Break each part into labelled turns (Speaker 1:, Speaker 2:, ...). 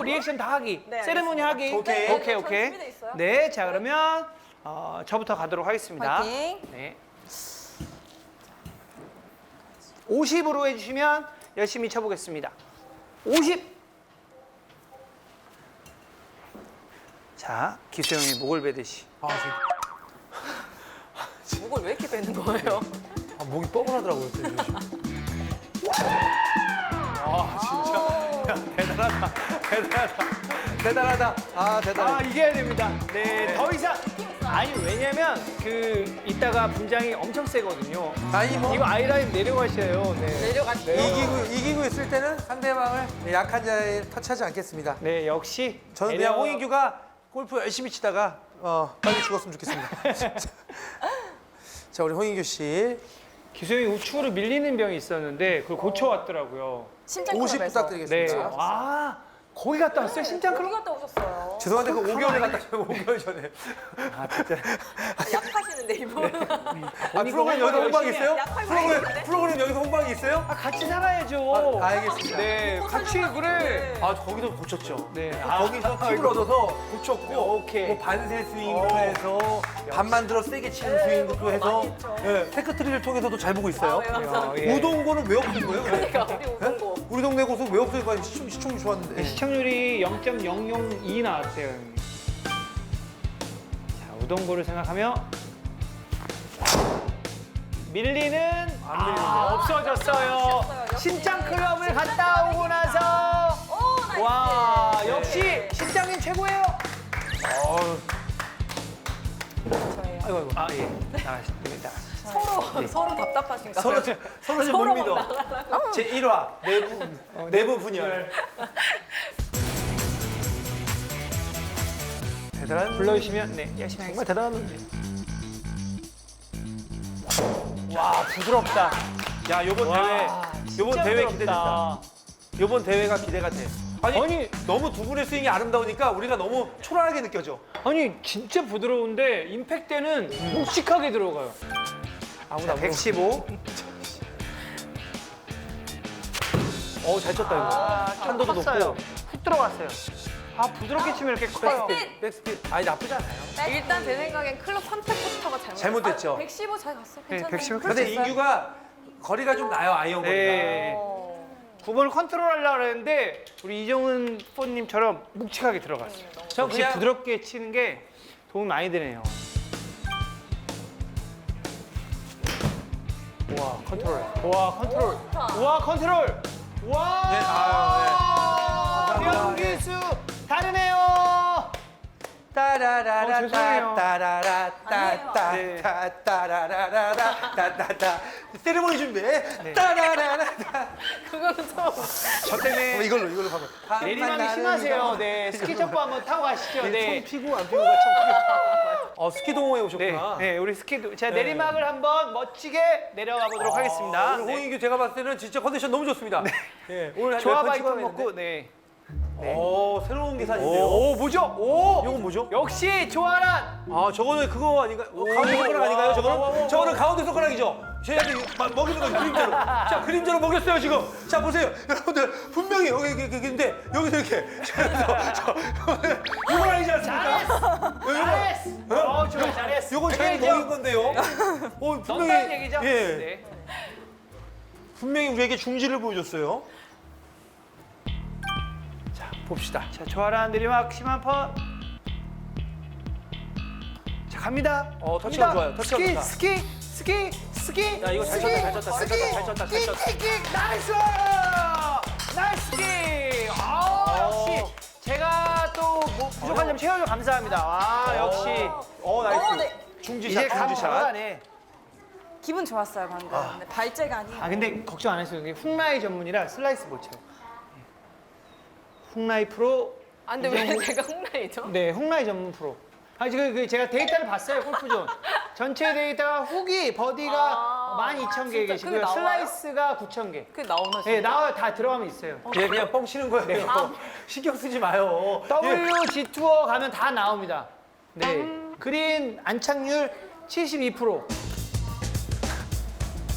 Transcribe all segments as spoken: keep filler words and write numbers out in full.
Speaker 1: 하고 리액션 다 하기.
Speaker 2: 네,
Speaker 1: 세레모니 하기.
Speaker 3: 오케이.
Speaker 2: 네,
Speaker 1: 오케이,
Speaker 2: 전
Speaker 1: 오케이.
Speaker 2: 준비돼 있어요.
Speaker 1: 네, 자 그러면 어, 저부터 가도록 하겠습니다.
Speaker 2: 파이팅.
Speaker 1: 네. 오십으로 해주시면 열심히 쳐보겠습니다. 오십. 자, 기수형이 목을 베듯이.
Speaker 3: 아,
Speaker 2: 목을 왜 이렇게 빼는 거예요?
Speaker 3: 아, 목이 뻐근하더라고요. 요즘.
Speaker 1: 아, 진짜. 대단하다. 대단하다. 대단하다.
Speaker 3: 아, 대단해.
Speaker 1: 아, 이겨야 됩니다. 네, 더 이상. 아니, 왜냐면, 그, 이따가 분장이 엄청 세거든요.
Speaker 3: 아니, 뭐.
Speaker 1: 이거 아이라인 내려가셔요. 네.
Speaker 2: 내려가시죠.
Speaker 3: 이기고, 이기고 있을 때는 상대방을 약한 자에 터치하지 않겠습니다.
Speaker 1: 네, 역시.
Speaker 3: 저는
Speaker 1: 내려-
Speaker 3: 그냥 홍인규가 골프 열심히 치다가 어, 빨리 죽었으면 좋겠습니다. 자, 우리 홍인규 씨
Speaker 1: 기수형이 우측으로 밀리는 병이 있었는데, 그걸 고쳐왔더라고요.
Speaker 2: 심장
Speaker 3: 오십
Speaker 2: 클럽에서.
Speaker 1: 네.
Speaker 3: 부탁드리겠습니다.
Speaker 1: 아, 거기 갔다 왔어요? 심장
Speaker 2: 어디
Speaker 1: 클럽?
Speaker 2: 갔다 오셨어요?
Speaker 3: 죄송한데 그 오 개월에 갔다 와요. 오 개월 전에.
Speaker 1: 아, 진짜.
Speaker 2: 약하시는데 이분.
Speaker 3: 아, 프로그램 여기서 홍방이 있어요?
Speaker 2: 약팔
Speaker 3: 프로그램,
Speaker 2: 많이
Speaker 3: 프로그램 여기서 홍방이 있어요?
Speaker 1: 아, 같이 살아야죠.
Speaker 3: 아, 알겠습니다.
Speaker 1: 네, 같이 그래.
Speaker 3: 아, 거기도 고쳤죠.
Speaker 1: 네.
Speaker 3: 거기서 팁을 얻어서 고쳤고,
Speaker 1: 오케이.
Speaker 3: 뭐 반세 스윙도 해서 반만 들어 세게 치는 스윙도 해서 예, 테크트리를 통해서도 잘 보고 있어요.
Speaker 2: 아, 네, 감사합니다.
Speaker 1: 예.
Speaker 3: 우동고는 왜 없는 거예요?
Speaker 2: 그러니까 우리 우동고.
Speaker 3: 우리 동네 고수 왜 없어요? 시청, 시청률 좋았는데.
Speaker 1: 네, 시청률이 영 점 영영이 나왔어요, 형님. 자, 우동고를 생각하며 밀리는 안 밀리네요. 아, 없어졌어요.
Speaker 2: 없어졌어요. 역시.
Speaker 1: 심장 클럽을 갔다 오고 나서
Speaker 2: 오, 나이스.
Speaker 1: 와,
Speaker 2: 네.
Speaker 1: 역시 심장님 최고예요.
Speaker 3: 어우,
Speaker 2: 저예요.
Speaker 1: 아이고, 아이고. 아, 예. 나가십니다.
Speaker 2: 서로 서로 답답하신가
Speaker 3: 서로,
Speaker 2: 봐요.
Speaker 3: 서로 지금 못
Speaker 2: 서로
Speaker 3: 믿어.
Speaker 2: 막 나가려고.
Speaker 3: 제 일 화 내부, 내부 분열. 대단한
Speaker 1: 불러주시면 네, 열심히
Speaker 3: 정말
Speaker 1: 하겠습니다.
Speaker 3: 대단한 놈이.
Speaker 1: 와, 부드럽다.
Speaker 3: 야, 요번
Speaker 1: 와,
Speaker 3: 대회, 요번
Speaker 1: 진짜
Speaker 3: 대회
Speaker 1: 부드럽다.
Speaker 3: 기대된다. 요번 대회가 기대가 돼. 아니,
Speaker 1: 아니,
Speaker 3: 너무 두 분의 스윙이 아름다우니까 우리가 너무 초라하게 느껴져.
Speaker 1: 아니 진짜 부드러운데 임팩 때는 묵직하게 들어가요.
Speaker 3: 아무나
Speaker 1: 백십오.
Speaker 3: 어, 잘 쳤다 이거.
Speaker 1: 아,
Speaker 3: 한도도
Speaker 1: 컸어요.
Speaker 3: 높고.
Speaker 1: 훅 들어갔어요. 아, 부드럽게 치면 이렇게 커요.
Speaker 2: 백스핀.
Speaker 3: 백스핀. 아니 나쁘지 않아요.
Speaker 2: 일단 제 생각엔 클럽 선택부터가 잘못.
Speaker 3: 잘못됐죠?
Speaker 2: 아, 백십오 잘 갔어. 괜찮아요.
Speaker 1: 백십오
Speaker 2: 그럴 수
Speaker 3: 근데
Speaker 2: 있어요.
Speaker 3: 인규가 거리가 좀 나요, 아이언 거리가.
Speaker 1: 네.
Speaker 2: 어.
Speaker 1: 구 번을 컨트롤하려고 했는데 우리 이정은 프로님처럼 묵직하게 들어갔어요.
Speaker 3: 저
Speaker 1: 역시
Speaker 3: 그냥-
Speaker 1: 부드럽게 치는 게 도움이 많이 되네요. 와, 컨트롤. 와, 컨트롤.
Speaker 2: 좋다.
Speaker 1: 와, 컨트롤. 와!
Speaker 3: 네, 아, 네. 감사합니다.
Speaker 1: 명기수 다르네요.
Speaker 3: 따라라라
Speaker 1: 어, 죄송해요.
Speaker 3: 따라라 따따
Speaker 1: 네.
Speaker 3: 따라라라 따따따 세레모니 준비. 따라라라.
Speaker 2: 그거는 좀.
Speaker 1: 저 때문에
Speaker 3: 어, 이걸로 이걸로 가면.
Speaker 1: 내리막이 심하세요. 네, 스키 점프 한번 타고 가시죠.
Speaker 3: 손
Speaker 1: 네.
Speaker 3: 피고 안 피고가 참. 크게. 어, 스키 동호회
Speaker 1: 네,
Speaker 3: 오셨구나.
Speaker 1: 네, 우리 스키도. 자,
Speaker 3: 네.
Speaker 1: 내리막을 한번 멋지게 내려가 보도록 하겠습니다.
Speaker 3: 오늘
Speaker 1: 네.
Speaker 3: 홍인규 제가 봤을 때는 진짜 컨디션 너무 좋습니다. 네. 오늘 한
Speaker 1: 조합
Speaker 3: 열 번
Speaker 1: 아이콘
Speaker 3: 찍어야
Speaker 1: 먹고, 네.
Speaker 3: 되는데. 오, 새로운 기사인데요.
Speaker 1: 오, 뭐죠? 오!
Speaker 3: 이건 뭐죠?
Speaker 1: 역시 조아란!
Speaker 3: 아, 저거는 그거 아닌가? 어, 가운데 손가락
Speaker 1: 와,
Speaker 3: 아닌가요?
Speaker 1: 와, 와,
Speaker 3: 저거는?
Speaker 1: 와.
Speaker 3: 저거는 가운데 손가락이죠? 저희한테 이거 막 먹이는 거 그림자로. 자, 그림자로 먹였어요, 지금. 자, 보세요. 여러분들, 분명히 여기, 여기, 여기 있는데, 여기서 이렇게. 저, 저, 이건 아니지 않습니까?
Speaker 1: 잘했어! 어, 좋아, 잘했어.
Speaker 3: 이건 저희
Speaker 1: 그게
Speaker 3: 먹인 건데요. 어,
Speaker 1: 넌다는 얘기죠?
Speaker 3: 예.
Speaker 1: 네.
Speaker 3: 분명히 우리에게 중지를 보여줬어요. 자, 봅시다.
Speaker 1: 자, 조아란 내리막 심한 퍼. 자, 갑니다.
Speaker 3: 어, 터치가
Speaker 1: 갑니다.
Speaker 3: 좋아요. 터치가
Speaker 1: 스키,
Speaker 3: 좋다.
Speaker 1: 스키, 스키, 스키.
Speaker 3: 야, 이거 잘
Speaker 1: 스키,
Speaker 3: 쳤다, 잘 쳤다, 잘
Speaker 1: 스키,
Speaker 3: 쳤다, 잘 쳤다, 잘 쳤다.
Speaker 1: 킥, 킥, 킥. 나이스! 나이스 킥! 아, 역시 제가 또 뭐 부족한 점 채워줘 감사합니다. 아, 역시.
Speaker 3: 어, 나이스.
Speaker 2: 어, 네.
Speaker 3: 중지샷,
Speaker 1: 이제
Speaker 3: 중지샷.
Speaker 1: 감사하네.
Speaker 2: 기분 좋았어요 방금. 근데 발재가 아니에요.
Speaker 1: 아, 근데 걱정 안 했어요. 이게 훅라이 전문이라 슬라이스 못 쳐요. 훅라이 프로.
Speaker 2: 아, 근데 왜 제가 홍라이죠?
Speaker 1: 네, 훅라이 전문 프로. 아, 지금 그 제가 데이터를 봤어요, 골프존. 전체 데이터가 훅이 버디가
Speaker 2: 아,
Speaker 1: 만 이천 개
Speaker 2: 진짜
Speaker 1: 계시고요.
Speaker 2: 그게 나와요?
Speaker 1: 슬라이스가 구천 개.
Speaker 2: 그게 나오나 진짜?
Speaker 1: 네, 나와요. 다 들어가면 있어요.
Speaker 3: 얘 그냥 뻥 치는 거예요.
Speaker 2: 아.
Speaker 3: 신경 쓰지 마요. 예.
Speaker 1: 더블유 지 투어 가면 다 나옵니다. 네. 그린 안착률 칠십이 퍼센트.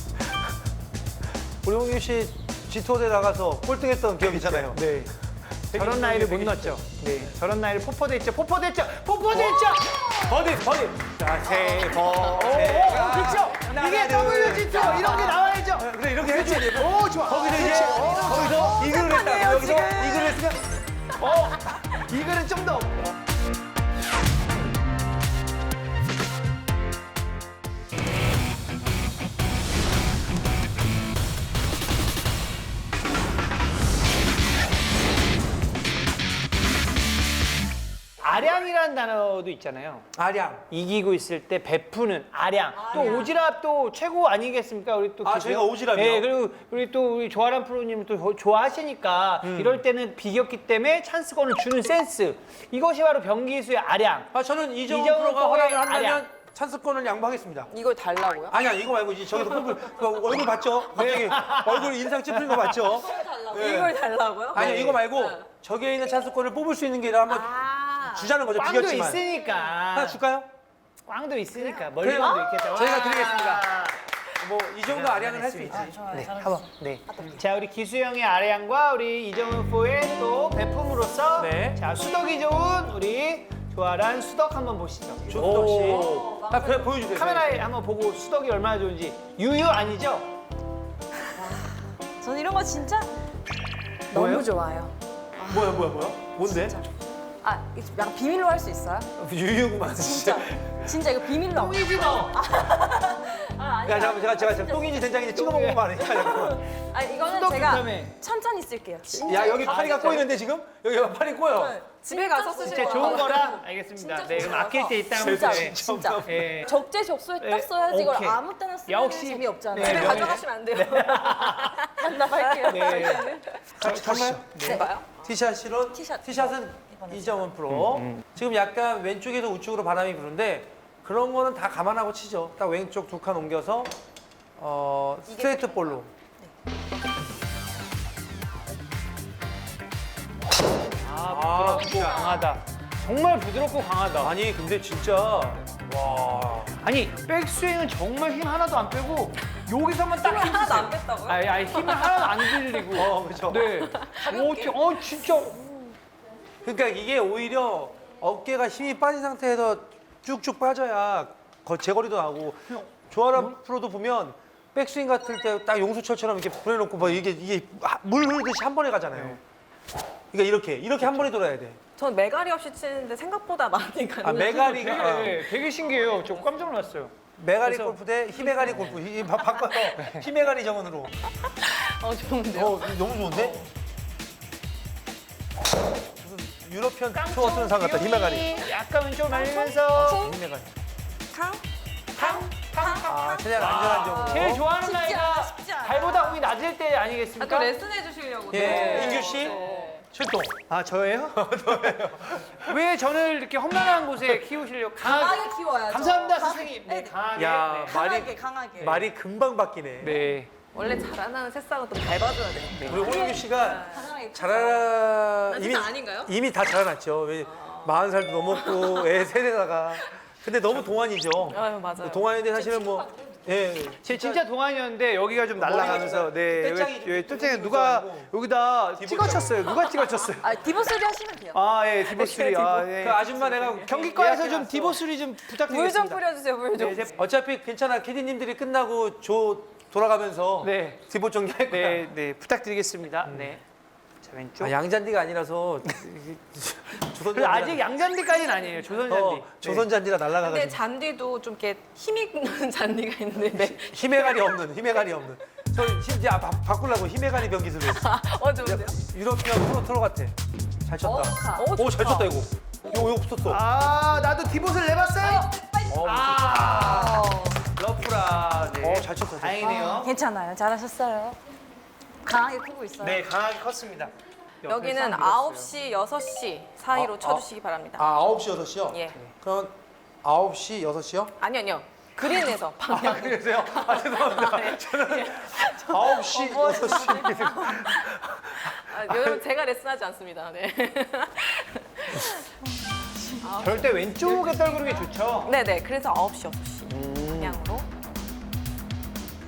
Speaker 3: 우리 홍규 씨 지투어대 나가서 꼴등했던 기억이잖아요.
Speaker 1: 네. 저런 나이를 못 넣었죠. 네, 저런 나이를 포포됐죠. 포포됐죠. 포포됐죠.
Speaker 3: 버디, 버디. 자, 세 번.
Speaker 1: 오, 오, 오, 그렇죠. 이게 더블유지 투 이런 게 나와야죠.
Speaker 3: 그래, 이렇게 해줘야 돼.
Speaker 1: 오, 좋아.
Speaker 3: 거기서 이제,
Speaker 1: 그렇죠.
Speaker 3: 거기서 이글을 했다. 여기서 이글을 했으면.
Speaker 1: 어, 이거는 좀 더. 아량이라는 단어도 있잖아요.
Speaker 3: 아량.
Speaker 1: 이기고 있을 때 베푸는 아량. 또 오지랖 또 최고 아니겠습니까? 우리 또
Speaker 3: 아,
Speaker 1: 기수요?
Speaker 3: 저희가 오지랖이요?
Speaker 1: 네, 그리고 우리 또 우리 조아람 프로님 또 조- 좋아하시니까
Speaker 3: 음.
Speaker 1: 이럴 때는 비겼기 때문에 찬스권을 주는 센스. 이것이 바로 병기수의 아량.
Speaker 3: 아, 저는 이정훈
Speaker 1: 이정훈
Speaker 3: 프로가
Speaker 1: 프로의
Speaker 3: 허락을 한다면
Speaker 1: 아량.
Speaker 3: 찬스권을 양보하겠습니다.
Speaker 2: 이걸 달라고요?
Speaker 3: 아니야, 이거 말고 이제 저기서 꿀꿀 그 얼굴 봤죠? 갑자기 얼굴 인상 찌푸린 거 봤죠? 네.
Speaker 2: 이걸 달라고요?
Speaker 3: 아니야,
Speaker 2: 네.
Speaker 3: 이거 말고
Speaker 2: 네.
Speaker 3: 저기에 있는 찬스권을 뽑을 수 있는 게 한번
Speaker 2: 아.
Speaker 3: 주자는 거죠.
Speaker 1: 꽝도
Speaker 3: 비겼지만.
Speaker 1: 있으니까.
Speaker 3: 하나 줄까요?
Speaker 1: 꽝도 있으니까.
Speaker 3: 그래요?
Speaker 1: 멀리건도 있겠죠.
Speaker 3: 저희가
Speaker 1: 와.
Speaker 3: 드리겠습니다. 뭐 이 정도 아량은 할 수 있지.
Speaker 1: 네, 한번. 네. 자, 우리 기수 형의 아량과 우리 이정훈 포의 또 베품으로서
Speaker 3: 네.
Speaker 1: 자, 수덕이 좋은 우리 조아란 수덕 한번 보시죠.
Speaker 3: 조수덕 씨. 아, 그래 보여주세요.
Speaker 1: 카메라에 한번 보고 수덕이 얼마나 좋은지. 유유 아니죠?
Speaker 2: 저는 이런 거 진짜
Speaker 1: 뭐예요?
Speaker 2: 너무 좋아요.
Speaker 3: 뭐야, 뭐야, 뭐야? 뭔데?
Speaker 2: 진짜. 아, 이거 약간 비밀로 할 수 있어요?
Speaker 3: 유유구만.
Speaker 2: 진짜. 진짜 이거 비밀로.
Speaker 1: 똥이지 뭐.
Speaker 2: 아, 아니,
Speaker 3: 야, 잠깐만, 제가 제가 제가 똥인지 된장인지 찍어 먹은 거 아니야? 잠깐만.
Speaker 2: 아니, 이거는
Speaker 1: 수덕
Speaker 2: 제가
Speaker 1: 좋다며.
Speaker 2: 천천히 쓸게요. 진짜.
Speaker 3: 야, 여기 파리가
Speaker 2: 아,
Speaker 3: 꼬이는데 지금? 여기 팔이 꼬여.
Speaker 2: 네. 집에 가서 쓰실
Speaker 1: 진짜
Speaker 2: 거라고.
Speaker 1: 좋은 거라 알겠습니다.
Speaker 2: 진짜
Speaker 1: 네,
Speaker 2: 좋은
Speaker 1: 그럼 아낄 때
Speaker 2: 거라서.
Speaker 1: 있다면
Speaker 2: 진짜, 진짜.
Speaker 1: 예.
Speaker 2: 적재적소에
Speaker 1: 네,
Speaker 2: 딱 써야지 이걸
Speaker 1: 오케이.
Speaker 2: 아무 때나 쓰면
Speaker 1: 역시.
Speaker 2: 재미없잖아요.
Speaker 1: 네,
Speaker 2: 집에
Speaker 1: 명예-
Speaker 2: 가져가시면 안 돼요. 반납할게요.
Speaker 1: 네.
Speaker 3: 잠깐만요.
Speaker 2: 네. 봐요?
Speaker 3: 티샷으로
Speaker 2: 티샷.
Speaker 3: 티샷은 이정훈 프로. 지금 약간 왼쪽에서 우측으로 바람이 부는데 그런 거는 다 감안하고 치죠. 딱 왼쪽 두 칸 옮겨서 어, 스트레이트 볼로.
Speaker 1: 아, 부드럽고 강하다. 정말 부드럽고 강하다.
Speaker 3: 아니 근데 진짜 와.
Speaker 1: 아니, 백스윙은 정말 힘 하나도 안 빼고 여기서만 딱
Speaker 2: 힘을
Speaker 1: 힘
Speaker 2: 하나도
Speaker 1: 주세요.
Speaker 2: 안 뺐다고요?
Speaker 1: 아니, 아니 힘을 하나도 안 들리고.
Speaker 3: 어, 그렇죠.
Speaker 1: 네. 오, 지- 어, 진짜.
Speaker 3: 그러니까 이게 오히려 어깨가 힘이 빠진 상태에서 쭉쭉 빠져야 거- 제거리도 나고 조아람 프로도 보면 백스윙 같을 때 딱 용수철처럼 이렇게 보내놓고 뭐 이게 이게 물 흐르듯이 한 번에 가잖아요. 그러니까 이렇게 이렇게 한 번에 돌아야 돼.
Speaker 2: 전 메가리 없이 치는데 생각보다 많이 가요.
Speaker 3: 아 메가리가 아,
Speaker 1: 되게, 되게 신기해요. 저 깜짝 놀랐어요.
Speaker 3: 메가리
Speaker 1: 그래서-
Speaker 3: 골프 대 히메가리 골프 이 바- 바꿔서 히메가리 정원으로.
Speaker 2: 어, 좋은데요?
Speaker 3: 어 너무 좋은데? 무슨 유러피언 투어 쓰는 상 같다 히메가리.
Speaker 1: 약간 왼쪽 날리면서
Speaker 3: 히메가리.
Speaker 2: 탕?
Speaker 1: 탕, 탕, 탕.
Speaker 3: 아 최대한 안전한 정도.
Speaker 1: 제일 좋아하는
Speaker 2: 쉽지 않아,
Speaker 1: 나이가
Speaker 2: 쉽지 않아.
Speaker 1: 발보다 공이 낮을 때 아니겠습니까?
Speaker 2: 아까 레슨 해주시려고.
Speaker 3: 예, 인규 씨 출동.
Speaker 1: 아, 저예요? 왜 저를 이렇게 험난한 곳에 키우시려고 강하게.
Speaker 2: 강하게 키워야죠.
Speaker 1: 감사합니다,
Speaker 2: 강하게.
Speaker 1: 선생님. 네,
Speaker 2: 네.
Speaker 1: 강하게.
Speaker 3: 야
Speaker 1: 네.
Speaker 2: 강하게,
Speaker 3: 말이
Speaker 2: 강하게.
Speaker 3: 말이 금방 바뀌네.
Speaker 1: 네.
Speaker 2: 원래 자라나는 새싹은 또 밟아줘야 돼요.
Speaker 3: 우리 홍인규 씨가
Speaker 2: 강하게.
Speaker 3: 자라
Speaker 2: 나
Speaker 3: 이미
Speaker 2: 진짜 아닌가요?
Speaker 3: 이미 다 자라났죠. 왜 마흔 살도 넘었고 애 세대다가. 근데 너무 동안이죠.
Speaker 2: 아유, 맞아요.
Speaker 3: 동안인데 사실은 뭐 예.
Speaker 1: 제 진짜 동안이었는데 여기가 좀 날아가면서 네
Speaker 3: 떼짱이
Speaker 1: 여기, 여기
Speaker 3: 좀
Speaker 1: 떼짱이
Speaker 3: 좀
Speaker 1: 누가
Speaker 3: 있어가지고.
Speaker 1: 여기다
Speaker 3: 디봇
Speaker 1: 찍어쳤어요. 누가 찍어쳤어요?
Speaker 2: 아, 디보스리 하시면 돼요.
Speaker 1: 아예 디보스리. 아, 예.
Speaker 3: 그 아줌마 내가
Speaker 1: 경기과에서 좀
Speaker 3: 예약해놨어.
Speaker 1: 디보스리 좀
Speaker 2: 물 좀
Speaker 1: 부탁드리겠습니다.
Speaker 2: 뿌려주세요, 물 좀.
Speaker 1: 네, 이제-
Speaker 3: 어차피 괜찮아. 캐디님들이 끝나고 조 돌아가면서
Speaker 1: 네.
Speaker 3: 디봇 정리할 거야.
Speaker 1: 네, 네 부탁드리겠습니다. 네. 자 왼쪽.
Speaker 3: 아, 양잔디가 아니라서 조선
Speaker 1: 그래서 아직 양잔디까지는 아니에요. 조선잔디.
Speaker 3: 어, 조선 잔디가
Speaker 2: 근데
Speaker 3: 날아가가지고
Speaker 2: 잔디도 좀 이렇게 힘 있는 잔디가 있는데. 네.
Speaker 3: 히메가리 없는 히메가리 없는. 저 심지어 바, 바꾸려고 히메가리 변기술로 했어.
Speaker 2: 어, 좋은데요?
Speaker 3: 유럽이랑 프로 트로 같아. 잘 쳤다.
Speaker 2: 어, 좋다. 어,
Speaker 3: 오, 잘
Speaker 2: 좋다.
Speaker 3: 쳤다 이거. 이거 이거 붙었어.
Speaker 1: 아 나도 디봇을 내봤어요.
Speaker 3: 어,
Speaker 1: 아
Speaker 2: 어.
Speaker 1: 러프라. 네.
Speaker 3: 어, 잘 쳤다.
Speaker 1: 다행이네요.
Speaker 2: 괜찮아요. 잘하셨어요. 강하게 크고 있어요.
Speaker 1: 네 강하게 컸습니다.
Speaker 2: 여기는 아홉 시, 여섯 시 사이로
Speaker 3: 아,
Speaker 2: 쳐주시기 바랍니다.
Speaker 3: 아, 아홉 시, 여섯 시요?
Speaker 2: 예.
Speaker 3: 그럼 아홉 시, 여섯 시요?
Speaker 2: 아니요, 아니요. 그린에서 방향.
Speaker 3: 아, 그러세요? 아, 죄송합니다. 저는 아홉 시, 여섯 시.
Speaker 2: 아, 여러분 제가 레슨하지 않습니다. 네.
Speaker 1: 절대 왼쪽에 떨구는 게 좋죠.
Speaker 2: 네네. 그래서 아홉 시, 여섯 시 방향으로.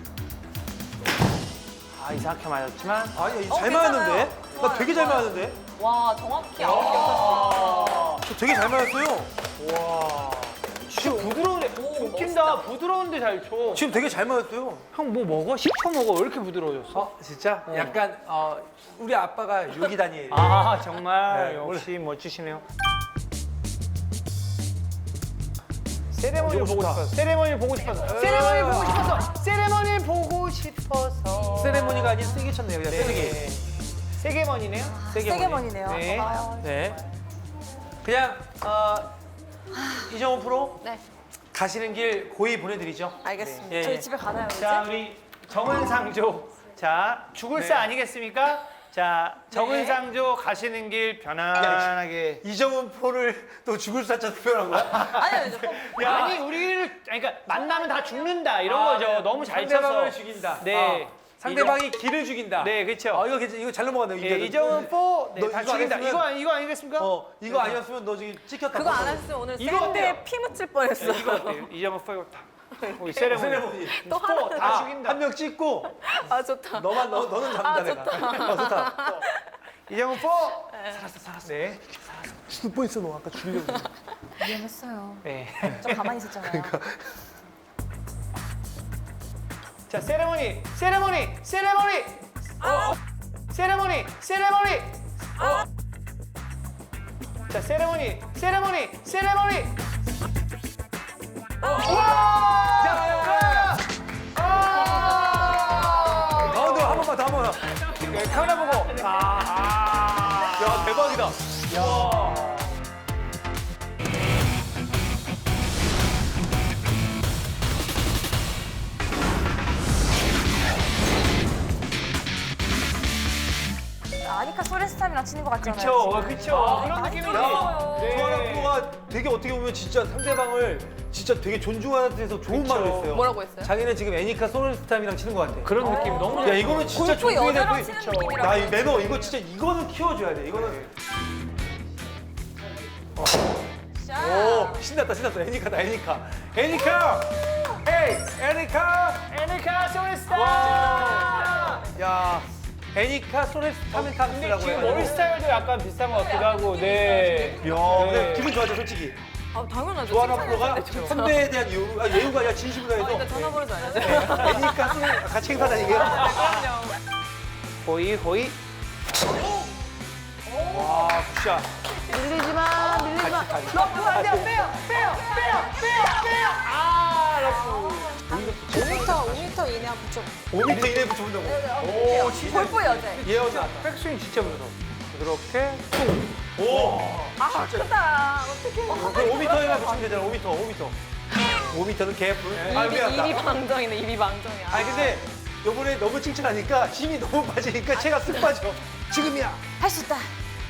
Speaker 1: 아 이상하게 맞았지만
Speaker 3: 아니,
Speaker 2: 어,
Speaker 3: 잘
Speaker 2: 괜찮아요.
Speaker 3: 맞았는데? 나
Speaker 2: 좋아요,
Speaker 3: 되게 잘
Speaker 2: 좋아요.
Speaker 3: 맞았는데?
Speaker 2: 와, 정확히 아홉 개 었어요.
Speaker 3: 저 되게 잘 맞았어요.
Speaker 1: 와. 진짜 부드러운데 웃긴다. 부드러운데 잘 쳐.
Speaker 3: 지금 되게 잘 맞았어요.
Speaker 1: 형 뭐 먹어? 식초 먹어. 왜 이렇게 부드러워졌어?
Speaker 3: 어, 진짜? 약간 어, 우리 아빠가 요기 다니엘.
Speaker 1: 아 정말
Speaker 3: 네,
Speaker 1: 역시 멋지시네요. 세레머니
Speaker 3: 너무
Speaker 1: 보고
Speaker 3: 좋다.
Speaker 1: 싶어서. 세레머니 보고 싶어서. 세레머니 보고 싶어서. 세레머니 보고 싶어서.
Speaker 3: 세레모니가 아닌 세게 쳤네요. 그냥 세게.
Speaker 1: 네. 세게머니네요.
Speaker 4: 세게머니네요.
Speaker 1: 네.
Speaker 4: 아,
Speaker 3: 네. 그냥 어, 이정훈 프로
Speaker 2: 네,
Speaker 3: 가시는 길 고이 보내드리죠.
Speaker 2: 알겠습니다.
Speaker 3: 예,
Speaker 4: 저희
Speaker 3: 예.
Speaker 4: 집에 가나요, 이제?
Speaker 1: 자 우리 정은상조. 자 죽을사
Speaker 3: 네.
Speaker 1: 아니겠습니까? 자 정은상조 가시는 길 편안하게.
Speaker 3: 이정훈 프로를 또 죽을 사자 투표한 거야?
Speaker 2: 아니요, 이제 꼭
Speaker 1: 야, 아니 우리를 아니, 그러니까 만나면 다 죽는다 이런
Speaker 3: 아,
Speaker 1: 거죠.
Speaker 3: 네.
Speaker 1: 너무 잘
Speaker 3: 상대방을
Speaker 1: 쳐서.
Speaker 3: 죽인다.
Speaker 1: 네.
Speaker 3: 아, 상대방이 길을 죽인다.
Speaker 1: 네, 그렇죠.
Speaker 3: 어, 이거 괜찮, 이거 잘 넘어갔네요.
Speaker 1: 예, 이정은 포, 네,
Speaker 3: 너
Speaker 1: 다
Speaker 3: 이거
Speaker 1: 죽인다.
Speaker 3: 아니었으면-
Speaker 1: 이거 아니- 이거 아니겠습니까?
Speaker 3: 어, 이거 아니었으면 너 지금 찍혔다.
Speaker 2: 그거 안 했으면 오늘
Speaker 1: 이거 어때요?
Speaker 2: 샌드에 피 묻힐 뻔했어요.
Speaker 1: 이거 어때요? 이정은 포 이거 다. 우리 세레모니.
Speaker 3: 세레모니.
Speaker 2: 또
Speaker 1: 포
Speaker 2: 하나.
Speaker 1: 다 죽인다.
Speaker 3: 한 명 찍고
Speaker 2: 아, 좋다.
Speaker 3: 너만 너 너는 잡는다
Speaker 2: 아,
Speaker 3: 내가.
Speaker 2: 좋다.
Speaker 3: 어, 좋다.
Speaker 1: 이정은 포. 살았어, 살았어. 네.
Speaker 3: 죽을 뻔했어 너 아까 죽이려고.
Speaker 4: 위험했어요.
Speaker 1: 네.
Speaker 4: 좀 가만히 있었잖아요.
Speaker 1: 자, 세레모니, 세레모니, 세레모니. 어. 세레모니, 세레모니. 어. 자, 세레모니, 세레모니, 세레모니. 어. 와!
Speaker 3: 자, 야,
Speaker 1: 아!
Speaker 3: 가운데 한 번만 더 한 번만.
Speaker 1: 네, 카메라 보고. 아, 아.
Speaker 3: 야 대박이다.
Speaker 1: 야.
Speaker 4: 아니까 소렌스탐이랑 치는 것 같잖아요.
Speaker 1: 그쵸, 어,
Speaker 4: 지금.
Speaker 1: 그쵸. 그런
Speaker 4: 많이
Speaker 1: 느낌이지.
Speaker 4: 떨어져요.
Speaker 1: 네.
Speaker 3: 조아라 프로가 되게 어떻게 보면 진짜 상대방을 진짜 되게 존중하는 데서 좋은
Speaker 1: 그쵸.
Speaker 3: 말을 했어요.
Speaker 2: 뭐라고 했어요?
Speaker 3: 자기는 지금 애니카 소울스타임이랑 치는 것 같아.
Speaker 1: 그런 느낌 너무
Speaker 3: 야 이거는 진짜
Speaker 4: 골프
Speaker 3: 존중해야 돼.
Speaker 4: 여자랑
Speaker 3: 그-
Speaker 4: 치는
Speaker 3: 그쵸.
Speaker 4: 느낌이라고
Speaker 3: 야, 이 매너 이거 진짜 이거는 키워줘야 돼. 이거는. 오 신났다 신났다. 애니카다 애니카. 애니카. 에이 애니카.
Speaker 1: 애니카 소리스타.
Speaker 3: 와. 야 애니카 소울스타임이라고
Speaker 1: 지금
Speaker 3: 해가지고.
Speaker 1: 머리 스타일도 약간 비슷한 것 같기도 하고, 네.
Speaker 3: 야
Speaker 1: 네.
Speaker 3: 근데 기분 좋아져 솔직히.
Speaker 2: 아, 당연하죠.
Speaker 3: 조아라 프로가
Speaker 2: 칭찬해야 돼,
Speaker 3: 선배에 대한 예우, 아, 예우가 아니라 진심으로
Speaker 2: 어,
Speaker 3: 해서
Speaker 2: 일단 전화번호 좀 알려줘요.
Speaker 3: 애니카 소울 아, 같이 행사다니게.
Speaker 2: 그럼요.
Speaker 1: 호이, 호이.
Speaker 3: 와 굿샷.
Speaker 1: 밀리지 마, 밀리지 마. 러프 안 돼요. 빼요, 빼요, 빼요, 빼요, 빼요. 아, 러프.
Speaker 2: 오 미터, 오 미터 이내 한 붙여.
Speaker 3: 오 미터 이내 붙여본다고.
Speaker 1: 오, 진짜.
Speaker 2: 골프 여제.
Speaker 3: 예언 나왔다.
Speaker 1: 백스윙 진짜 무서워. 이렇게.
Speaker 3: 오.
Speaker 2: 아, 크다. 어떡해.
Speaker 3: 그럼 오 미터에만 붙이면 되잖아. 오 미터, 오 미터. 오 미터는 개뿔. 아
Speaker 2: 입이,
Speaker 3: 미안하다.
Speaker 2: 입이 방정이네, 입이 방정이야.
Speaker 3: 아니 근데 요번에 너무 칭찬하니까 힘이 너무 빠지니까 체가 쓱 빠져. 지금이야.
Speaker 4: 할 수 있다.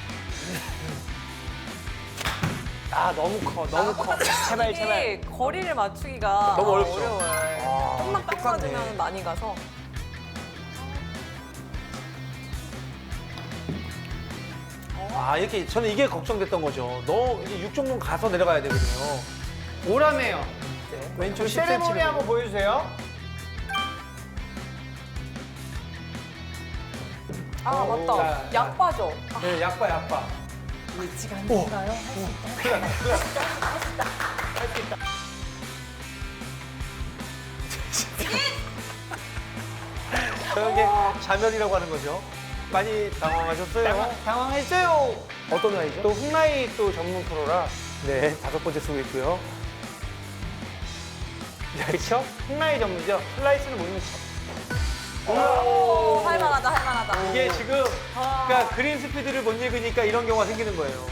Speaker 1: 아, 너무 커, 너무 커. 제발, 제발.
Speaker 2: 이게 거리를 맞추기가
Speaker 3: 너무 어렵죠?
Speaker 2: 어려워요. 좀만 딱
Speaker 3: 똑같네.
Speaker 2: 맞으면 많이 가서.
Speaker 3: 아 이렇게 저는 이게 걱정됐던 거죠. 너 이제 육 종목 가서 내려가야 되거든요.
Speaker 1: 오라메요.
Speaker 3: 왼쪽
Speaker 1: 그
Speaker 3: 십 센티미터.
Speaker 1: 세레모니 한번 보여주세요.
Speaker 2: 아,
Speaker 3: 자,
Speaker 2: 맞다.
Speaker 3: 자.
Speaker 2: 약바죠.
Speaker 3: 네, 약바 약바.
Speaker 4: 아직 안 된가요? 할 수 있다.
Speaker 3: 저런 게 자멸이라고 하는 거죠. 많이 당황하셨어요?
Speaker 1: 당황, 당황했어요.
Speaker 3: 어떤 나이죠?
Speaker 1: 또 훅라이 또 전문 프로라.
Speaker 3: 네, 다섯 번째 쓰고 있고요.
Speaker 1: 그쵸? 훅라이 전문이죠. 슬라이스는 못 넣죠.
Speaker 2: 오, 할만하다, 할만하다.
Speaker 3: 이게 지금 그러니까 그린 스피드를 못 읽으니까 이런 경우가 생기는 거예요.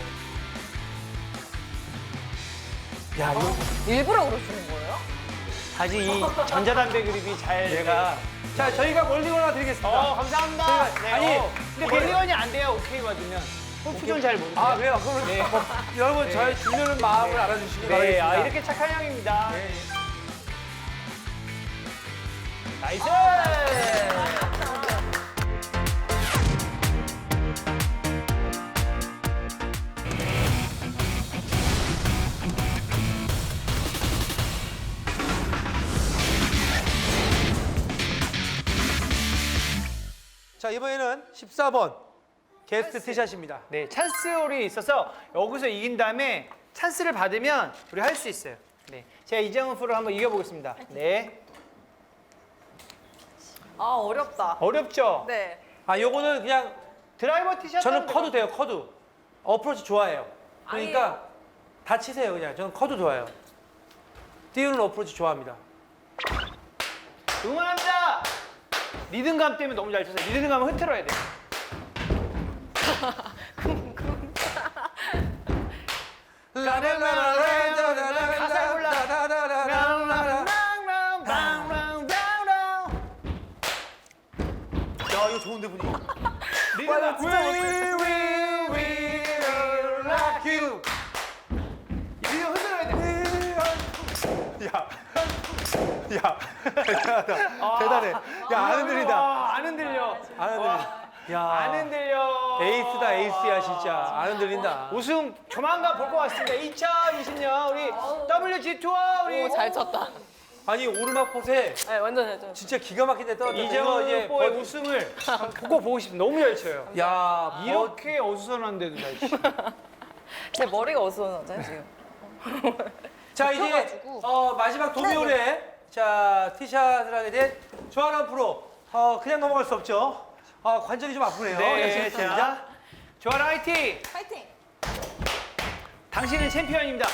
Speaker 3: 야, 이거
Speaker 2: 일부러 그러시는 거예요?
Speaker 1: 아직 이 전자담배 그립이 잘.
Speaker 3: 얘가 자, 저희가 멀리건 하나 드리겠습니다.
Speaker 1: 어, 감사합니다.
Speaker 3: 저희가-
Speaker 1: 네,
Speaker 3: 아니,
Speaker 1: 어, 근데
Speaker 3: 이게-
Speaker 1: 멀리건이 안 돼요. 오케이 받으면. 골프존 잘 모르세요.
Speaker 3: 아, 그래요? 그러면
Speaker 1: 네.
Speaker 3: 뭐, 여러분
Speaker 1: 네.
Speaker 3: 저희 주려는 마음을 알아주시기
Speaker 1: 네,
Speaker 3: 바라겠습니다.
Speaker 1: 아, 이렇게 착한 형입니다.
Speaker 3: 네.
Speaker 1: 나이스!
Speaker 3: 자, 이번에는 십사 번 게스트 티샷입니다.
Speaker 1: 네, 찬스홀이 있어서 여기서 이긴 다음에 찬스를 받으면 우리 할 수 있어요. 네, 제가 이정은 프로 한번 이겨보겠습니다. 네,
Speaker 2: 아 어렵다.
Speaker 1: 어렵죠?
Speaker 2: 네.
Speaker 3: 아, 요거는 그냥
Speaker 1: 드라이버 티샷
Speaker 3: 저는
Speaker 1: 하면
Speaker 3: 커도 돼요, 커도. 어프로치 좋아해요. 그러니까
Speaker 2: 아니에요.
Speaker 3: 다 치세요, 그냥. 저는 커도 좋아요. 띄우는 어프로치 좋아합니다.
Speaker 1: 응원합니다. 리듬감 때문에 너무 잘 쳐서 리듬감을 흐트러야 돼. 가사에 몰라.
Speaker 3: 야, 이거 좋은데 분위기.
Speaker 1: 리듬감
Speaker 3: We will, we will rock you.
Speaker 1: 리듬 흐트러야 돼.
Speaker 3: 야, 야, 대단하다. 대단해. 야, 안 흔들린다.
Speaker 1: 와, 안 흔들려.
Speaker 3: 안 흔들린다. 야,
Speaker 1: 안 흔들려.
Speaker 3: 에이스다, 에이스야, 진짜. 안 흔들린다.
Speaker 1: 우승 조만간 볼 것 같습니다. 이천이십 년 우리 더블유지 투어 우리
Speaker 2: 오 잘 쳤다.
Speaker 3: 아니, 오르막꽃에
Speaker 2: 네 완전 잘 쳤어.
Speaker 3: 진짜 기가 막힌데 떨어졌다.
Speaker 1: 이정은 뽀의
Speaker 3: 버-
Speaker 1: 우승을 보고 보고 싶어. 너무 잘 쳐요.
Speaker 3: 야, 이렇게.
Speaker 1: 이렇게 어수선한데도 잘 쳐.
Speaker 2: 제 머리가 어수선하잖아요 지금.
Speaker 3: 자, 이제
Speaker 2: 펴가지고.
Speaker 3: 어, 마지막 도미홀에 자, 티샷을 하게 된 조아람 프로. 어, 그냥 넘어갈 수 없죠. 아, 관절이 좀 아프네요.
Speaker 1: 네,
Speaker 3: 열심히 했습니다.
Speaker 1: 자, 조아라 화이팅!
Speaker 2: 파이팅.
Speaker 1: 당신은 챔피언입니다.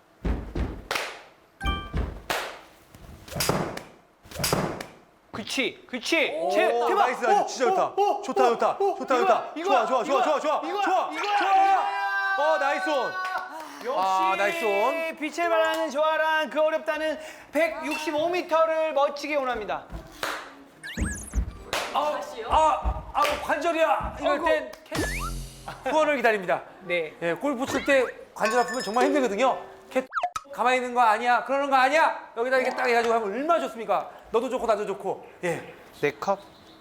Speaker 1: 그치, 그치.
Speaker 3: 오,
Speaker 1: 제- 대박.
Speaker 3: 나이스, 나이스.
Speaker 1: 오,
Speaker 3: 진짜 좋다.
Speaker 1: 오, 오,
Speaker 3: 좋다,
Speaker 1: 오,
Speaker 3: 좋다.
Speaker 1: 오,
Speaker 3: 좋다,
Speaker 1: 이거야,
Speaker 3: 좋다.
Speaker 1: 이거야,
Speaker 3: 좋아, 좋아, 좋아, 좋아, 좋아,
Speaker 1: 이거야,
Speaker 3: 좋아,
Speaker 1: 이거야,
Speaker 3: 좋아.
Speaker 1: 이거야.
Speaker 3: 어, 나이스 온.
Speaker 1: 역시
Speaker 3: 아, 나이스 온.
Speaker 1: 빛을 발하는 조아란 그 어렵다는 백육십오 미터를 멋지게 원합니다.
Speaker 3: 아, 아, 아, 관절이야. 이럴 땐 캐- 후원을 기다립니다.
Speaker 1: 네.
Speaker 3: 예, 골프 칠 때 관절 아프면 정말 힘들거든요. 캐 가만히 있는 거 아니야. 그러는 거 아니야. 여기다 이렇게 딱 해가지고 하면 얼마나 좋습니까? 너도 좋고 나도 좋고. 예.
Speaker 1: 네 컵.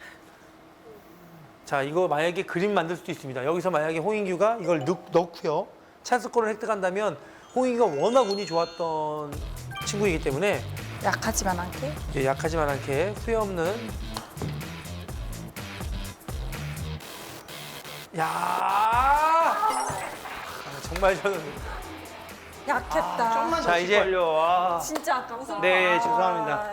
Speaker 3: 자, 이거 만약에 그림 만들 수도 있습니다. 여기서 만약에 홍인규가 이걸 넣, 넣고요. 찬스권을 획득한다면 홍인규가 워낙 운이 좋았던 친구이기 때문에
Speaker 4: 약하지만 않게.
Speaker 3: 예, 약하지만 않게 후회 없는. 야, 아, 정말 저는
Speaker 4: 약했다.
Speaker 1: 좀만
Speaker 3: 자,
Speaker 1: 더
Speaker 3: 이제-
Speaker 1: 걸려. 와.
Speaker 4: 진짜 아깝다.
Speaker 1: 네, 죄송합니다.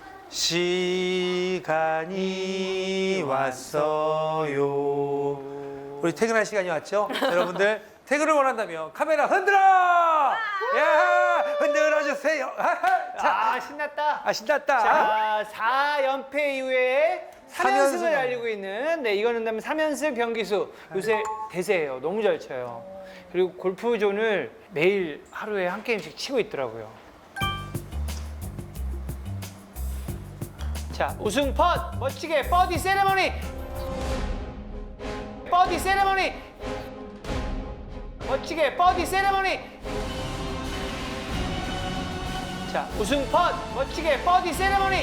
Speaker 3: 시간이 왔어요. 우리 퇴근할 시간이 왔죠? 여러분들 퇴근을 원한다면 카메라 흔들어! 야, 흔들어 주세요. 자,
Speaker 1: 아, 신났다.
Speaker 3: 아, 신났다.
Speaker 1: 자, 사 연패 이후에 삼 연승을
Speaker 3: 삼 연승.
Speaker 1: 달리고 있는 네, 이거는 다음에 삼 연승 병기수 요새 대세예요. 너무 잘 쳐요. 그리고 골프존을 매일 하루에 한 게임씩 치고 있더라고요. 자, 우승 펫 멋지게 버디 세레머니. 버디 세레머니. 멋지게 버디 세레머니. 자, 우승 펫 멋지게 버디 세레머니.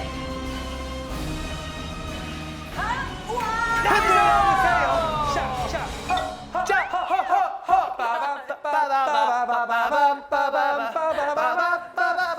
Speaker 1: 흔들어주세요. 샤, 샤, 허, 자, 허, 허, 허. 빠밤, 빠바밤, 빠바밤, 빠바밤, 빠바밤,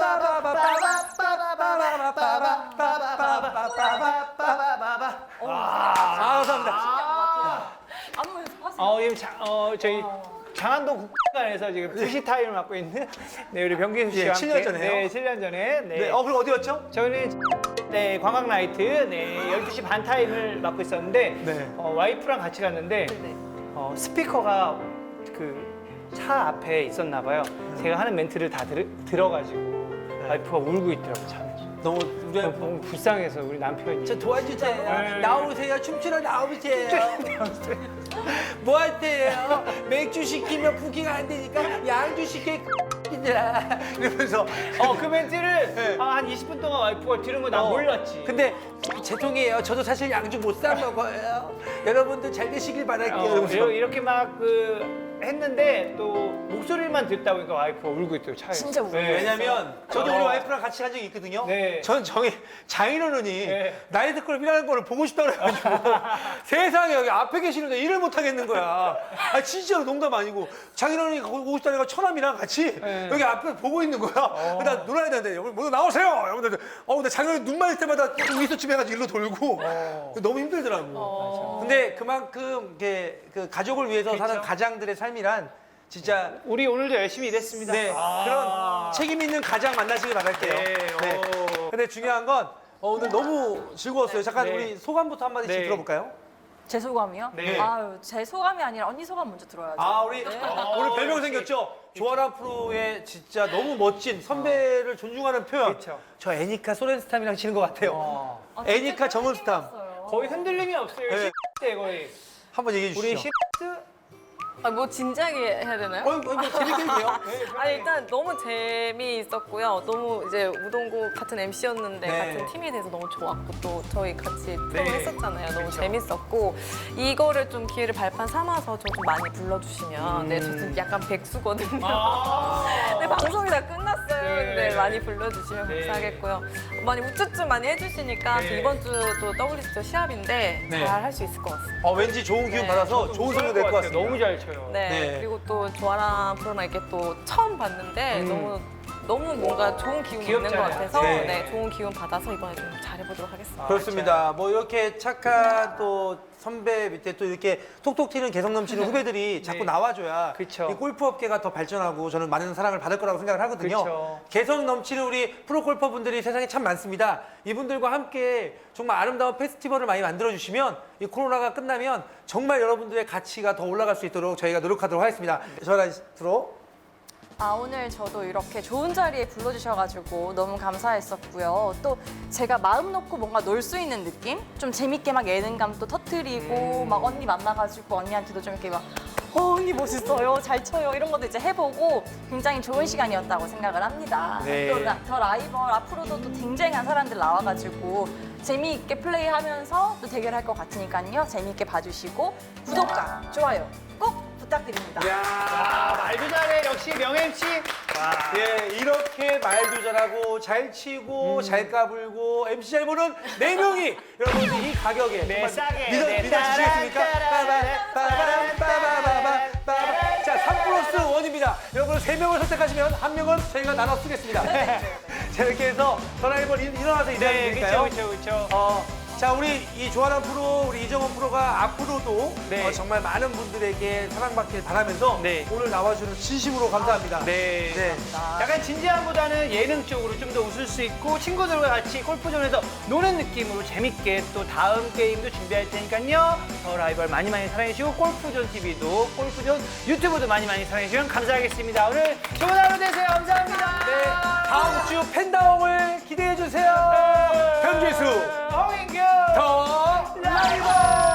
Speaker 1: 빠바밤.
Speaker 3: 아, 감사합니다.
Speaker 2: 안무 연습하세요.
Speaker 1: 어, 지금 자, 어, 저희 장안동 국가에서 지금 부시 타임을 맡고 있는 네, 우리 병기수 씨와
Speaker 3: 예, 칠 년
Speaker 1: 함께
Speaker 3: 전에요?
Speaker 1: 네, 칠 년 전에 네.
Speaker 3: 네, 어, 그럼 어디였죠?
Speaker 1: 저희는 네, 관광 나이트 네, 열두 시 반 타임을 맡고 있었는데
Speaker 3: 네.
Speaker 1: 어, 와이프랑 같이 갔는데
Speaker 2: 네.
Speaker 1: 어, 스피커가 그 차 앞에 있었나 봐요. 제가 하는 멘트를 다 들, 들어가지고 와이프가 울고 있더라고요. 참.
Speaker 3: 너무 우리
Speaker 1: 너무 불쌍해서 우리 남편이.
Speaker 3: 저 도와주세요.
Speaker 1: 네.
Speaker 3: 나오세요. 춤추러 나오세요. 뭐 할 때예요? 맥주 시키면 부킹 안 되니까 양주 시켜 이들아. 이러면서
Speaker 1: 어, 그 멘트를
Speaker 3: 네.
Speaker 1: 아, 한 이십 분 동안 와이프가 들은 거 난
Speaker 3: 어.
Speaker 1: 몰랐지.
Speaker 3: 근데 제 통이에요. 저도 사실 양주 못 사 먹어요. 여러분들 잘 되시길 바랄게요.
Speaker 1: 어,
Speaker 3: 이러면서.
Speaker 1: 이렇게, 이렇게 막 그 했는데 또 목소리만 듣다 보니까 와이프가 울고 있더라고요 차에서.
Speaker 4: 진짜 울어요.
Speaker 1: 네.
Speaker 3: 왜냐면 저도 우리 와이프랑 같이 같이 간 적이 있거든요.
Speaker 1: 네.
Speaker 3: 전 정이 장인어른이
Speaker 1: 네.
Speaker 3: 나이트클럽이라는 거를 보고 싶다고 그래가지고 세상에 여기 앞에 계시는데 일을 못 하겠는 거야. 아 진짜로 농담 아니고 장인어른이 거기 오고 싶다니까 처남이랑 같이
Speaker 1: 네.
Speaker 3: 여기 앞에 보고 있는 거야. 나 놀아야 되는데 여기 모두 나오세요. 이러면서 어 근데 장인어른 눈 맞을 때마다 미소쯤 해가지고 일로 돌고 너무 힘들더라고. 근데 그만큼 이게 그 가족을 위해서 사는
Speaker 1: 그렇죠.
Speaker 3: 가장들의 삶이란 진짜
Speaker 1: 우리 오늘도 열심히 일했습니다.
Speaker 3: 네,
Speaker 1: 아.
Speaker 3: 그런 책임 있는 가장 만나시길 바랄게요.
Speaker 1: 네, 오.
Speaker 3: 근데 중요한 건 어, 오늘 너무 즐거웠어요. 잠깐
Speaker 1: 네.
Speaker 3: 우리 소감부터 한마디씩
Speaker 1: 네.
Speaker 3: 들어볼까요?
Speaker 4: 제 소감이요?
Speaker 1: 네.
Speaker 4: 아유, 제 소감이 아니라 언니 소감 먼저 들어야죠.
Speaker 3: 아, 우리
Speaker 4: 네.
Speaker 3: 오늘 별명 생겼죠? 조아람 프로의 진짜 너무 멋진 선배를 존중하는 표현.
Speaker 1: 그렇죠.
Speaker 3: 저 애니카 소렌스탐이랑 치는 것 같아요.
Speaker 1: 어.
Speaker 4: 아, 진짜
Speaker 3: 애니카 정은스탐.
Speaker 4: 힘들었어요.
Speaker 1: 거의 흔들림이 없어요.
Speaker 3: 네.
Speaker 1: 때 거의.
Speaker 3: 한번 얘기해
Speaker 1: 우리
Speaker 3: 주시죠.
Speaker 1: 시트
Speaker 2: 아, 뭐 진지하게 해야 되나요?
Speaker 3: 어, 이거 뭐 재밌게 해도 돼요?
Speaker 2: 아니 일단 너무 재미있었고요. 너무 이제 우동고 같은 엠씨였는데
Speaker 3: 네.
Speaker 2: 같은 팀이 돼서 너무 좋았고 또 저희 같이 프로
Speaker 1: 네.
Speaker 2: 했었잖아요. 너무 재밌었고 이거를 좀 기회를 발판 삼아서 저 좀 많이 불러주시면 네, 저 지금 약간 백수거든요. 네, 방송이 다 끝났어요.
Speaker 1: 네.
Speaker 2: 근데 많이 불러주시면
Speaker 1: 네.
Speaker 2: 감사하겠고요. 많이 우쭈쭈 많이 해주시니까
Speaker 1: 네.
Speaker 2: 저 이번 주도 더블유씨오 시합인데
Speaker 3: 네.
Speaker 2: 잘 할 수 있을 것 같습니다.
Speaker 3: 어, 왠지 좋은 기운
Speaker 2: 네.
Speaker 3: 받아서 좋은 성적 낼 것 같습니다.
Speaker 1: 너무 잘 쳐요.
Speaker 2: 네.
Speaker 3: 네.
Speaker 2: 그리고 또 조아람 프로나 이렇게 또 처음 봤는데 너무 너무 뭔가 좋은 기운이 있는 것
Speaker 1: 귀엽잖아요.
Speaker 2: 같아서
Speaker 3: 네.
Speaker 2: 네. 좋은 기운 받아서 이번에 좀 잘해보도록 하겠습니다.
Speaker 3: 그렇습니다. 뭐 이렇게 착한 또 선배 밑에 또 이렇게 톡톡 튀는 개성 넘치는 후배들이 자꾸 나와줘야
Speaker 1: 그쵸.
Speaker 3: 이 골프 업계가 더 발전하고 저는 많은 사랑을 받을 거라고 생각을 하거든요.
Speaker 1: 그쵸.
Speaker 3: 개성 넘치는 우리 프로 골퍼분들이 세상에 참 많습니다. 이분들과 함께 정말 아름다운 페스티벌을 많이 만들어 주시면 이 코로나가 끝나면 정말 여러분들의 가치가 더 올라갈 수 있도록 저희가 노력하도록 하겠습니다. 저랑 프로.
Speaker 4: 아, 오늘 저도 이렇게 좋은 자리에 불러주셔가지고 너무 감사했었고요. 또 제가 마음 놓고 뭔가 놀 수 있는 느낌? 좀 재밌게 막 예능감도 터트리고 막 언니 만나가지고 언니한테도 좀 이렇게 막 어, 언니 멋있어요, 잘 쳐요 이런 것도 이제 해보고 굉장히 좋은 시간이었다고 생각을 합니다.
Speaker 1: 네.
Speaker 4: 또 더 라이벌 앞으로도 또 쟁쟁한 사람들 나와가지고 재미있게 플레이하면서 또 대결할 것 같으니까요. 재미있게 봐주시고 구독과 좋아요 꼭 부탁드립니다.
Speaker 1: 아, 말도 잘해. 역시 명엠씨.
Speaker 3: 예, 이렇게 말도 잘하고 잘 치고 잘 까불고 엠씨 잘 보는 네 명이 여러분들 이 가격에
Speaker 1: 네,
Speaker 3: 정말
Speaker 1: 싸게.
Speaker 3: 믿어,
Speaker 1: 네,
Speaker 3: 믿어주시겠습니까?
Speaker 1: 따라라라라,
Speaker 3: 빠바람, 빠바바바, 빠바. 자, 삼 플러스 원입니다. 여러분 세 명을 선택하시면 한 명은 저희가 나눠 쓰겠습니다. 자, 이렇게 해서 전화해볼 일어나서 인사를
Speaker 1: 네,
Speaker 3: 드릴까요?
Speaker 1: 그렇죠, 그렇죠, 그렇죠.
Speaker 3: 어, 자, 우리 이 조아람 프로, 우리 이정원 프로가 앞으로도
Speaker 1: 네.
Speaker 3: 어, 정말 많은 분들에게 사랑받길 바라면서
Speaker 1: 네.
Speaker 3: 오늘 나와주는 진심으로 감사합니다.
Speaker 1: 네.
Speaker 3: 네.
Speaker 1: 약간 진지함보다는 예능 쪽으로 좀 더 웃을 수 있고 친구들과 같이 골프존에서 노는 느낌으로 재밌게 또 다음 게임도 준비할 테니까요. 더 라이벌 많이 많이 사랑해주시고 골프존 티비도 골프존 유튜브도 많이 많이 사랑해주시면 감사하겠습니다. 오늘 좋은 하루 되세요. 감사합니다.
Speaker 3: 네, 다음 주 팬다움을 기대해 주세요. 변지수
Speaker 1: 홍인규
Speaker 3: 더 라이벌.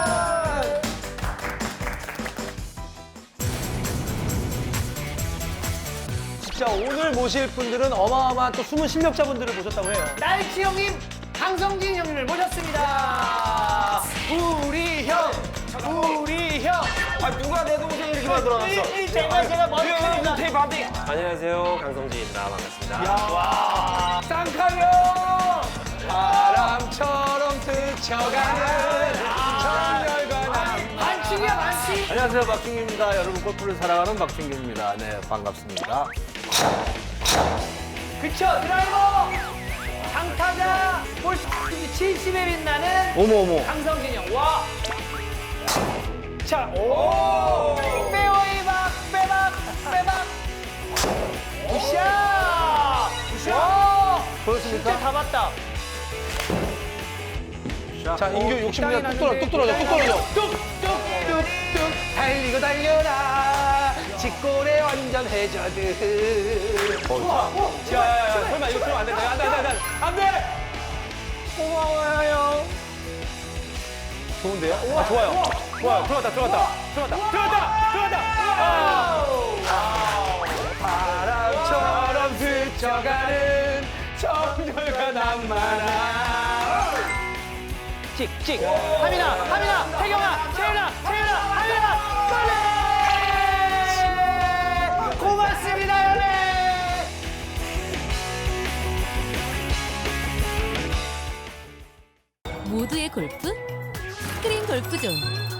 Speaker 3: 진짜 오늘 모실 분들은 어마어마한 또 숨은 실력자분들을 모셨다고 해요.
Speaker 1: 날치 형님, 강성진 형님을 모셨습니다. 우리 형, 우리 형.
Speaker 3: 아 누가 내 동생 이렇게 만들어놨어?
Speaker 1: 이- 이 제가 제가 머리카락이
Speaker 3: 테이프 한 대.
Speaker 5: 안녕하세요, 강성진입니다. 반갑습니다.
Speaker 3: 와, 쌍카요 바람처럼 스쳐가는 정열과 낭만.
Speaker 1: 반칙이야 반칙.
Speaker 5: 안녕하세요, 박준규입니다. 여러분 골프를 사랑하는 박준규입니다. 네, 반갑습니다.
Speaker 1: 그쵸 드라이버. 장타자 볼 칠십에 빛나는
Speaker 5: 어머 어머.
Speaker 1: 강성진 형. 와. 자, 오. 페어웨이 박, 빼박, 빼박. 굿샷. 굿샷.
Speaker 3: 그렇습니까?
Speaker 1: 진짜 다 봤다.
Speaker 3: 자, 인규 욕심부려 뚝 떨어져, 뚝 떨어져, 뚝 떨어져. 뚝뚝뚝뚝 달리고 달려라. 직골에 완전 해저드. 자, 야, 야, 설마 이거 그러면 안 된다. 안 돼, 안 돼, 안 돼. 안 돼. 고마워요. 좋은데요? 아, 좋아요. 좋아요. 들어갔다, 들어갔다. 들어갔다. 들어갔다. 들어갔다. 바람처럼 스쳐가는 정열과 낭만아.
Speaker 1: 찍찍. 하민아, 하민아, 태경아, 채연아, 채연아, 하민아, 빨리. 고맙습니다, 연애.
Speaker 6: 골프 스크린 골프존.